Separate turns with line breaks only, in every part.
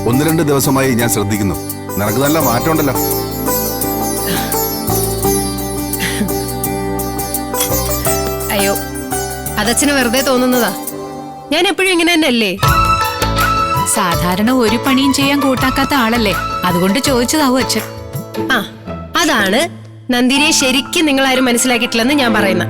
1-2 ദിവസമായി ഞാൻ ശ്രദ്ധിക്കുന്നു. നിനക്ക് നല്ല മാറ്റമുണ്ടല്ലോ.
അയ്യോ, അതച്ഛന് വെറുതെ തോന്നുന്നതാ. ഞാൻ എപ്പോഴും ഇങ്ങനെ തന്നെയല്ലേ.
സാധാരണ ഒരു പണിയും ചെയ്യാൻ കൂട്ടാക്കാത്ത ആളല്ലേ, അതുകൊണ്ട് ചോദിച്ചതാവും അച്ഛൻ.
ആ, അതാണ് നന്ദിനിയെ ശരിക്കും നിങ്ങൾ ആരും മനസ്സിലാക്കിയിട്ടില്ലെന്ന് ഞാൻ പറയുന്ന.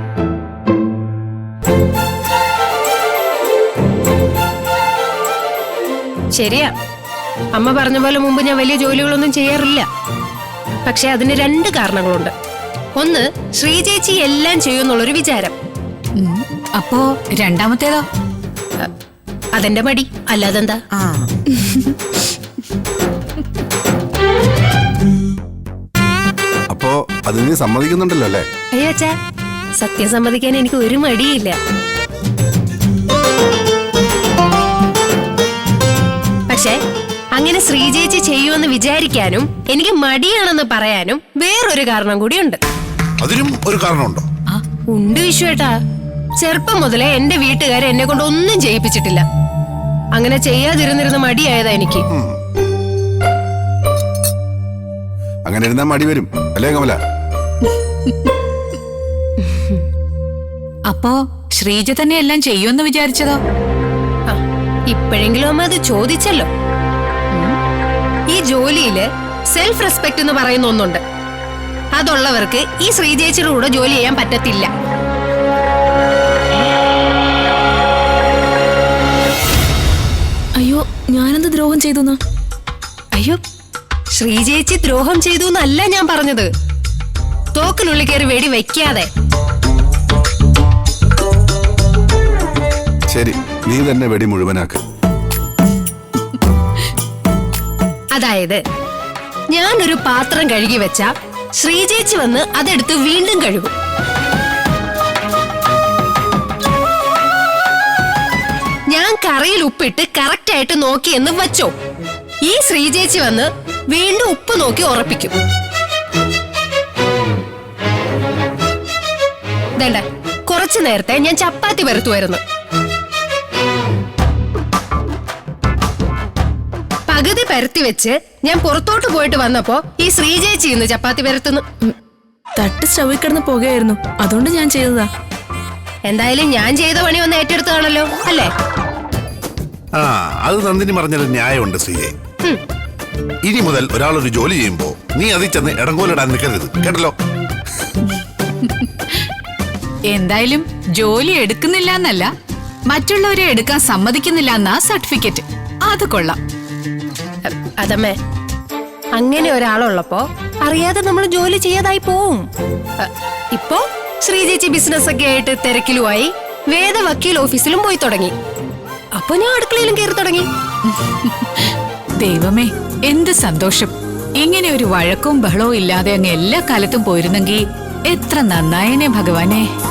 ശരിയാ, അമ്മ പറഞ്ഞ പോലെ മുമ്പ് ഞാൻ വലിയ ജോലികളൊന്നും ചെയ്യാറില്ല. പക്ഷെ അതിന് 2 കാരണങ്ങളുണ്ട്. ഒന്ന്, ശ്രീചേച്ചി എല്ലാം ചെയ്യുമെന്നുള്ളൊരു വിചാരം.
അപ്പോ രണ്ടാമത്തേതോ?
അതെന്റെ മടി, അല്ലാതെന്താ.
അപ്പോ അത് നീ സമ്മതിക്കുന്നുണ്ടല്ലോ അല്ലേ?
അയ്യാച്ചാ, സത്യം സമ്മതിക്കാൻ എനിക്ക് ഒരു മടിയില്ല. പക്ഷെ അങ്ങനെ ശ്രീചേച്ചി ചെയ്യുമെന്ന് വിചാരിക്കാനും എനിക്ക് മടിയാണെന്ന് പറയാനും വേറൊരു കാരണം കൂടിയുണ്ട്.
അതിനും ഒരു കാരണമുണ്ടോ?
ഉണ്ട് വിശ്വേട്ടാ. ചെറുപ്പം മുതലേ എന്റെ വീട്ടുകാരെ എന്നെ കൊണ്ട് ഒന്നും ചെയ്യിപ്പിച്ചിട്ടില്ല. അങ്ങനെ ചെയ്യാതിരുന്നിരുന്ന മടിയായതാ എനിക്ക്.
അങ്ങനെ ഇരുന്നാ മടി വരും അല്ലേ കമല?
അപ്പോ ശ്രീജ തന്നെ എല്ലാം ചെയ്യുമെന്ന് വിചാരിച്ചതോ?
ഇപ്പോഴെങ്കിലും അമ്മ അത് ചോദിച്ചല്ലോ. ഈ ജോലിയില് സെൽഫ് റെസ്പെക്ട് എന്ന് പറയുന്ന ഒന്നുണ്ട്. അതുള്ളവർക്ക് ഈ ശ്രീചേച്ചിയുടെ കൂടെ ജോലി ചെയ്യാൻ പറ്റത്തില്ല.
അയ്യോ, ഞാനെന്ത് ദ്രോഹം ചെയ്തു?
അയ്യോ, ശ്രീചേച്ചി ദ്രോഹം ചെയ്തു എന്നല്ല ഞാൻ പറഞ്ഞത്. തോക്കിനുള്ളിൽ കയറി വെടി വെക്കാതെ.
ശരി, നീ തന്നെ വെടി മുഴുവനാക്ക്.
അതായത് ഞാനൊരു പാത്രം കഴുകി വെച്ച ശ്രീചേച്ചി വന്ന് അതെടുത്ത് വീണ്ടും കഴുകും. ഞാൻ കറിയിൽ ഉപ്പിട്ട് കറക്റ്റ് ആയിട്ട് നോക്കിയെന്ന് വച്ചോ, ഈ ശ്രീചേച്ചി വന്ന് വീണ്ടും ഉപ്പ് നോക്കി ഉറപ്പിക്കും. വേണ്ട, കുറച്ചു നേരത്തെ ഞാൻ ചപ്പാത്തി പരത്തുമായിരുന്നു. പകുതി പരത്തി വെച്ച് ഞാൻ പുറത്തോട്ട് പോയിട്ട് വന്നപ്പോ ഈ ശ്രീചേച്ചി ഇന്ന് ചപ്പാത്തി പരത്തുന്നു.
തട്ട് സ്റ്റവിൽ കിടന്ന് പോകുകയായിരുന്നു, അതുകൊണ്ട് ഞാൻ ചെയ്തതാ.
എന്തായാലും ഞാൻ ചെയ്ത പണി ഒന്ന് ഏറ്റെടുത്താണല്ലോ അല്ലേ?
അത് നന്ദിനി പറഞ്ഞൊരു ന്യായമുണ്ട് ശ്രീയെ. ഇനി മുതൽ ഒരാളൊരു ജോലി ചെയ്യുമ്പോ നീ അതിൽ ചെന്ന് ഇടങ്കോലിടാൻ നിൽക്കരുത്, കേട്ടല്ലോ?
എന്തായാലും ജോലി എടുക്കുന്നില്ല എന്നല്ല, മറ്റുള്ളവരെ എടുക്കാൻ സമ്മതിക്കുന്നില്ല എന്നാ സർട്ടിഫിക്കറ്റ്. അത് കൊള്ളാം.
അതമ്മേ, അങ്ങനെ ഒരാളുള്ളപ്പോ അറിയാതെ നമ്മൾ ജോലി ചെയ്യാതായി പോവും. ഇപ്പോ ശ്രീചേച്ചി ബിസിനസ് ഒക്കെ ആയിട്ട് തിരക്കിലുമായി വേദ വക്കീൽ ഓഫീസിലും പോയി തുടങ്ങി. അപ്പൊ ഞാൻ അടുക്കളയിലും കയറി തുടങ്ങി.
ദൈവമേ, എന്ത് സന്തോഷം! ഇങ്ങനെ ഒരു വഴക്കവും ബഹളവും ഇല്ലാതെ അങ്ങ് എല്ലാ കാലത്തും പോയിരുന്നെങ്കിൽ എത്ര നന്നായനെ ഭഗവാനെ.